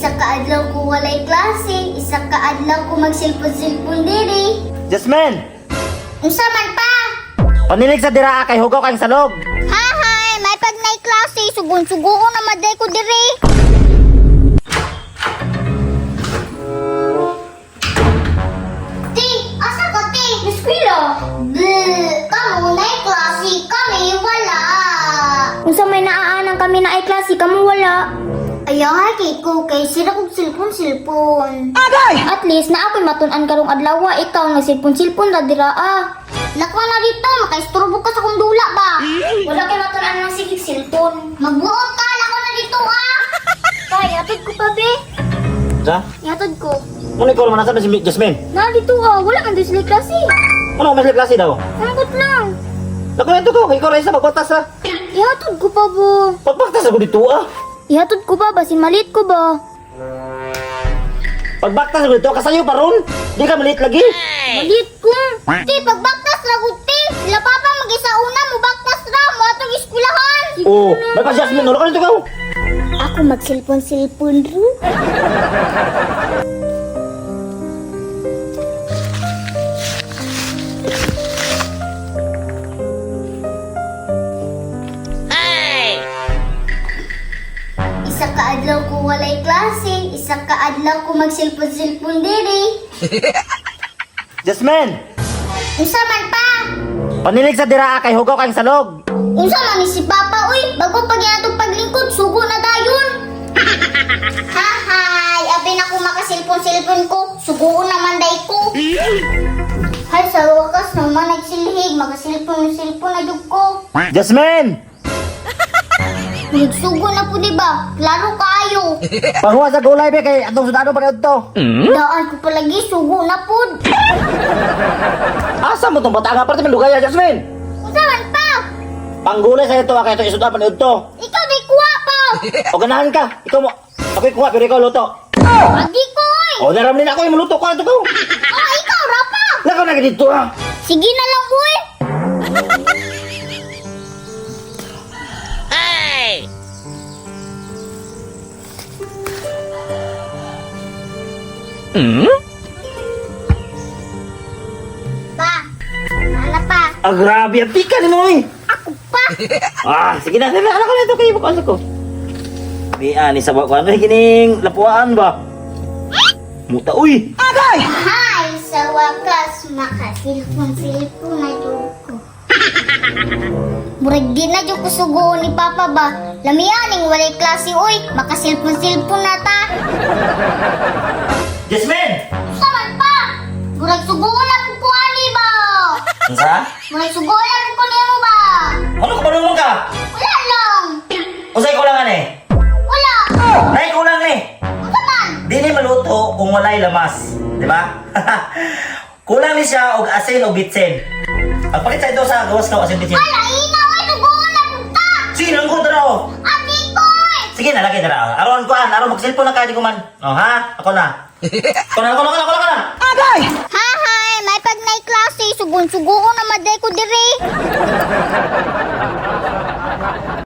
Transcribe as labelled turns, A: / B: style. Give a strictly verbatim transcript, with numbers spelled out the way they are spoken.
A: Isa ka adlaw ko walay klase, isa ka adlaw ko magsilpon-silpon diri.
B: Jasmine!
A: Unsa man pa?
B: Panilig sa dira kay hugaw kang salog.
A: Hahay, may pag nay klase, sugon-sugoon na maday ko diri. Ti, asa ka ti? Eskwela. Bleh, kamo nay klase, kami wala.
C: Unsa may naaanang kami na ay klase kamo wala.
A: Ayaw kay ko kay sira kog silpon-silpon.
C: At least na ako'y matun-an karong adlaw, ikaw nga silpon-silpon ra dira ah.
A: Lakwa na dito, makaisturbo ka sa kong dula ba?
C: Wala kay matun-an ng sigig silpon.
A: Magbuot ka, lakwa na dito ah!
C: Kay atod ko pa be.
B: Sa?
C: Yatod ko.
B: Ano ikaw naman nasa si Jasmine?
C: Na dito ah, wala man din sila klase.
B: Ano mas klase daw?
C: Sangkot lang.
B: Nakuha ito ko, ikaw rin sa pagbatas ha.
C: Ihatod ko pa bo.
B: Pagbaktas ako dito ah.
C: Ihatod ko ba basin malit ko ba?
B: Pagbaktas ako dito, kasayo pa ron. Di ka maliit lagi.
C: Malit ko.
A: Ti, pagbaktas lagot ti! Sila papa mag-isa una mo baktas ra mo atong eskwelahan!
B: Oo, may pa Jasmine, ano ka nito ikaw?
C: Ako magsilpon-silpon ro.
A: Isa ka adlaw ko walay klase, isa ka adlaw ko magsilpon-silpon diri.
B: Jasmine!
A: Unsa man pa?
B: Panilig sa dira kay hugaw kang salog.
A: Unsa man ni si papa uy, bago pag atong paglingkod sugo na dayon. Hahay, abi na ko makasilpon-silpon ko, sugo naman day ko. Hay sa wakas naman nagsilhig, makasilpon-silpon na jud ko.
B: Jasmine!
A: Nagsugo na po, di ba? Klaro kayo.
B: Panghuwa sa gulay be kay atong sudado pa ito.
A: Daan ko palagi, sugo na po.
B: Asa mo tong bata nga parte lugaya Jasmine?
A: Usaman pa?
B: Panggulay sa ito kay ito isuda pa ito.
A: Ikaw di kuha pa.
B: O ganahan ka. Ikaw mo. Ako'y kuha pero ikaw luto.
A: Adi ko eh.
B: O naram din ako yung maluto ko ito ko.
A: Oh, ikaw rapa.
B: Lako na dito ha.
A: Sige na lang, uy. Pa, ano pa?
B: Ah, grabe. Ang pika ni mo eh.
A: Ako pa.
B: Ah, sige na. Ano ko na ito kayo. Ano ko? Di ani sa bako. Ano kining lapuan ba? Muta uy. Agay!
A: Hay, sa wakas, makasilpon-silpon na jud ko. Murag di na jud ko sugo ni Papa ba? Lamianing walay klase, uy. Makasilpon-silpon na ta.
B: Jasmine!
A: Saman pa! Murag sugo na ko ko ani ba?
B: Ansa?
A: Murag sugo na ko ko nimo ba?
B: Ano ka marunong ka?
A: Wala lang.
B: Usay kulangan eh.
A: Wala.
B: Nay kulang ni.
A: Ano man?
B: Di ni maluto kung walay lamas. Di ba? Kulang ni siya og asin o bitsin. Pagpalit sa ito sa gawas ka o asin bitsin.
A: Wala, ina, uy. Sugo na ko ta.
B: Sige, lang ko dara o.
A: Ati ko, uy.
B: Sige, nalagay dara. Aron ko an, aron mag-cellphone na kayo di ko man. O ha? Ako na. Ako na, ako na, ako na, ako na. Agay!
A: Hahay, may pag nay klase, sugon-sugoon na maday ko diri.